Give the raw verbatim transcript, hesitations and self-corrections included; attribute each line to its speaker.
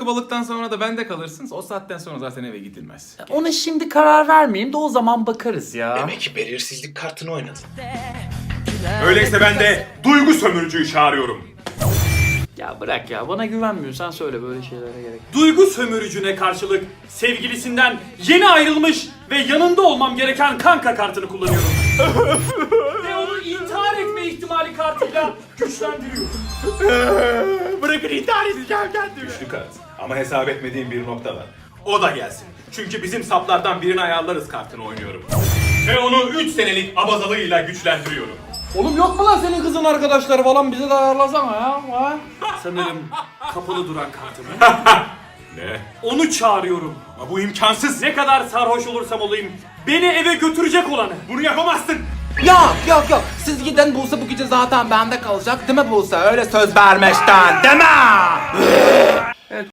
Speaker 1: balıktan sonra da bende kalırsınız. O saatten sonra zaten eve gidilmez.
Speaker 2: Ona şimdi karar vermeyeyim de o zaman bakarız ya.
Speaker 3: Demek ki belirsizlik kartını oynadın.
Speaker 4: Öyleyse ben de duygu sömürücüyü çağırıyorum.
Speaker 2: Ya bırak ya, bana güvenmiyorsan söyle, böyle şeylere gerek.
Speaker 4: Duygu sömürücüne karşılık sevgilisinden yeni ayrılmış ve yanında olmam gereken kanka kartını kullanıyorum. Ve onu intihar etme ihtimali kartıyla güçlendiriyorum.
Speaker 3: Bırakın intihar edeceğim kendimi.
Speaker 4: Güçlü kart. Ama hesap etmediğim bir nokta var. O da gelsin. Çünkü bizim saplardan birini ayarlarız kartını oynuyorum. Ve onu üç senelik abazalığıyla güçlendiriyorum.
Speaker 1: Oğlum yok mu lan senin kızın arkadaşları falan, bize de ayarlasana ya. Ha?
Speaker 4: Sanırım kapalı duran kartımı. Ne? Onu çağırıyorum. Ama bu imkansız. Ne kadar sarhoş olursam olayım beni eve götürecek olanı. Bunu yapamazsın.
Speaker 1: Yok yok yok. Siz giden Buse bu gece zaten bende kalacak değil mi Buse? Öyle söz vermişten değil mi?